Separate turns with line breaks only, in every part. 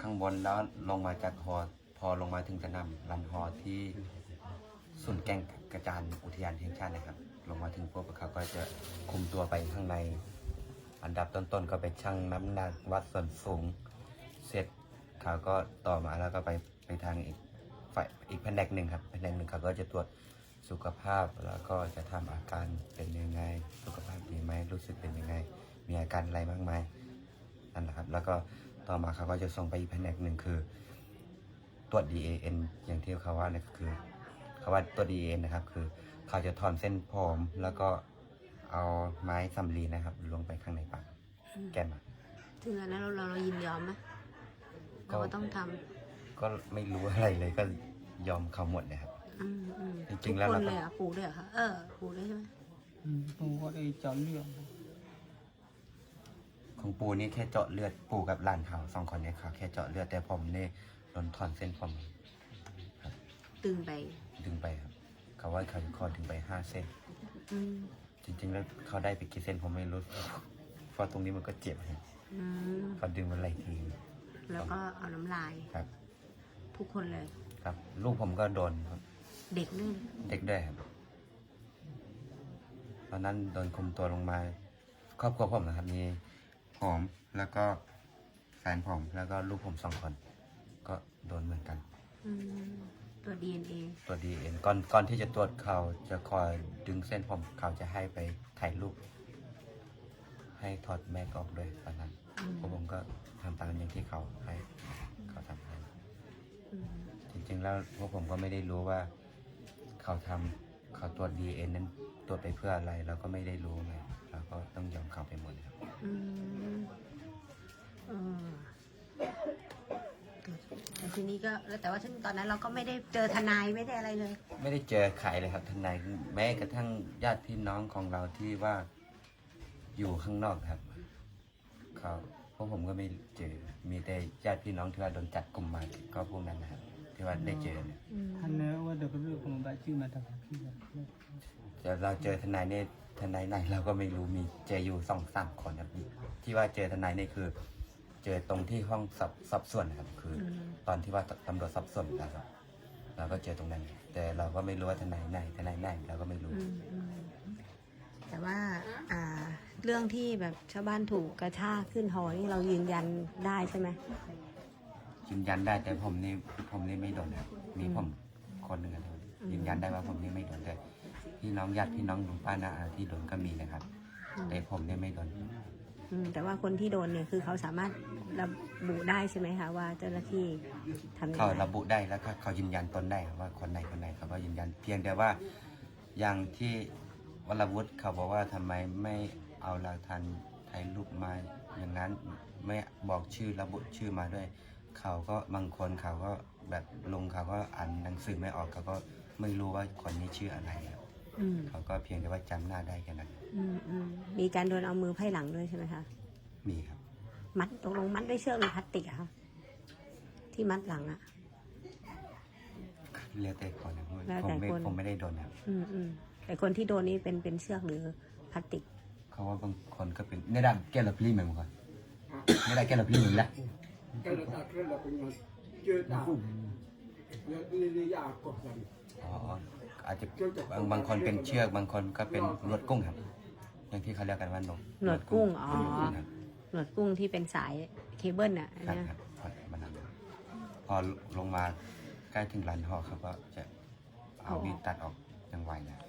างบนแล้วลงมาจากฮอพอลงมาถึงสนามรันฮอที่ศูนย์แก่งกระจานอุทยานแห่งชาตินะครับลงมาถึงพวกเขาก็จะคุมตัวไปข้างในอันดับต้นๆก็ไปชั่งน้ำหนักวัดส่วนสูงเสร็จเขาก็ต่อมาแล้วก็ไปทางอีกแผนกหนึ่งครับแผนกหนึ่งเขาก็จะตรวจสุขภาพแล้วก็จะทำอาการเป็นยังไงสุขภาพดีไหมรู้สึกเป็นยังไงมีอาการอะไรบ้างไหมนั่นแหละครับแล้วก็ต่อมาเขาก็จะส่งไปอีกแผนกหนึ่งคือตรวจ DAN อย่างที่เขาว่าเนี่ยคือเขาว่าตรวจ DAN นะครับคือเขาจะถอนเส้นผมแล้วก็เอาไม้สำลีนะครับลงไปข้างในปากแก้ม
ถึงอันนั้นเรายินยอมไหมเราก็ต้องทำ
ก็ไม่รู้อะไรเลยก็ยอมเขาหมดเลยครับจริงๆแล้วเรา
ทุกคนเลยอ่ะปู่ด้วยเหรอคะปู่ด้วยใช่ไหม
ปู่ก็ได้เจาะเลือด
ของปูนี่แค่เจาะเลือดปูกับหลานเขา2 คนเนี่ยเขาแค่เจาะเลือดแต่ผมนี่โดนถอนเส้นผมครับ
ดึงไป
ครับเขาว่าเขาจะคอดึงไป5 เส้นจริงๆแล้วเขาได้ไปกี่เส้นผมไม่รู้เพราะตรงนี้มันก็เจ็บครับเขาดึงมาหลายที
แล้วก็เอาน้ำลาย
ครับ
ทุกคนเลย
ครับลูกผมก็โดนครับ
เด็กด้วย
ครับตอนนั้นโดนคุมตัวลงมาครอบครัวผมนะครับมีผมแล้วก็แฟนผมแล้วก็ลูกผม2 คนก็โดนเหมือนกัน
ตัว DNA
ก่อนที่จะตรวจเขาจะคอยดึงเส้นผมเขาจะให้ไปถ่ายรูปให้ถอดแมสออกด้วยตอนนั้นผมก็ทำตามอย่างที่เขาให้เขาทำให้จริงๆแล้วพวกผมก็ไม่ได้รู้ว่าเขาตรวจ DNA นั้นตรวจไปเพื่ออะไรเราก็ไม่ได้รู้ไงเราก็ต้องยอมเขาไปหมดครับ
ทีนี้ก็แต่ว่าตอนนั้นเราก็ไม่ได้เจอทนายไม่ได้อะไรเลย
ไม่ได้เจอใครเลยครับทนายแม้กระทั่งญาติพี่น้องของเราที่ว่าอยู่ข้างนอกครับพวกผมก็ไม่เจอมีแต่ญาติพี่น้องที่ว่าโดนจัดกลุ่มมาก็พวกนั้นนะครับที่ว่าได้เจอเนี่ย
ท่านเนี่ยว่าเด็กเรื่องของบ้านชื่อมาทำพี่
แต่เราเจอทนายเนี่ยทนายไหนเราก็ไม่รู้มีเจออยู่2-3 คนครับที่ว่าเจอทนายนี่คือเจอตรงที่ห้องสอบสวนครับคือตอนที่ว่าตำรวจสอบสวนนะครับเราก็เจอตรงนั้นแต่เราก็ไม่รู้ว่าทนายไหนเราก็ไม่รู้
แต่ว่าเรื่องที่แบบชาวบ้านถูกกระชากขึ้นหอนี่เรายืนยันได้ใช่ไหม
ยืนยันได้แต่ผมนี่ไม่โดนครับมีผมคนหนึ่งครับยืนยันได้ว่าผมนี่ไม่โดนแต่พี่น้องญาติพี่น้องลุงป้าน้าอาที่โดนก็มีนะครับแต่ผมนี่ไม่โดน
แต่ว่าคนที่โดนเนี่ยคือเขาสามารถระบุได้ใช่ไหมคะว่าเจ้าหน้าที่ทำ
เขาระบุได้แล้วก็เขายืนยันตนได้ว่าคนไหนเขาก็ยืนยันเพียงแต่ว่าอย่างที่วรวุฒิเขาบอกว่าทำไมไม่เอาหลักฐานถ่ายรูปมาอย่างนั้นไม่บอกชื่อระบุชื่อมาด้วยเขาก็บางคนเขาก็แบบลุงเขาก็อ่านหนังสือไม่ออกเขาก็ไม่รู้ว่าคนนี้ชื่ออะไรเขาก็เพียงแต่ว่าจำหน้าได้แค่นั้น
มีการโดนเอามือไพ่หลังด้วยใช่ไหมคะ
มีครับ
มัดตกลงมัดด้วยเชือกหรือพลาสติกอะคะที่มัดหลังอะ
เรียกแต่คนนะผมไม่ได้โดนครับ
แต่คนที่โดนนี่เป็นเชือกหรือพลาสติก
เขาว่าบางคนก็เป็นในด้านแก้ละพลีเหมือนกันในด้านแก้ละพลีเหมือนละอาจจะบางคนเป็นเชือกบางคนก็เป็นหนวดกุ้งครับอย่างที่เขาเรียกกันว่า
หนวดกุ้งหนวดกุ้งที่เป็นสายเคเบิลน่ะ
ครับพอลงมาใกล้ถึงลานหอเขาก็จะเอามีดตัดออกอย่างไวนะ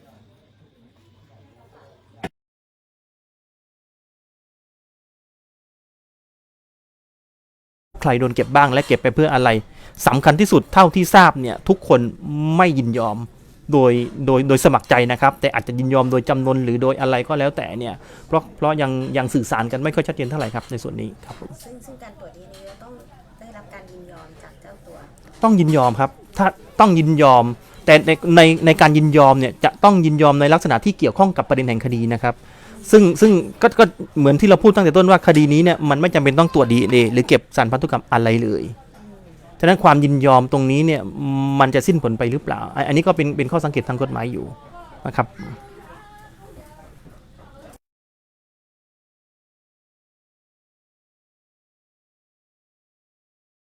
ใครโดนเก็บบ้างและเก็บไปเพื่ออะไรสำคัญที่สุดเท่าที่ทราบเนี่ยทุกคนไม่ยินยอมโดยสมัครใจนะครับแต่อาจจะยินยอมโดยจำนวนหรือโดยอะไรก็แล้วแต่เนี่ยเพราะยังสื่อสารกันไม่ค่อยชัดเจนเท่าไหร่ครับในส่วนนี้ครับผม
ซึ่งการตรวจDNAต้องได้รับการยินยอมจากเจ้าตัว
ต้องยินยอมครับถ้าต้องยินยอมแต่ในการยินยอมเนี่ยจะต้องยินยอมในลักษณะที่เกี่ยวข้องกับประเด็นแห่งคดีนะครับซึ่งก็เหมือนที่เราพูดตั้งแต่ต้นว่าคดีนี้เนี่ยมันไม่จำเป็นต้องตรวจ DNA หรือเก็บสารพันธุกรรมอะไรเลยฉะนั้นความยินยอมตรงนี้เนี่ยมันจะสิ้นผลไปหรือเปล่าอันนี้ก็เป็นข้อสังเกตทางกฎหมายอยู่นะครับ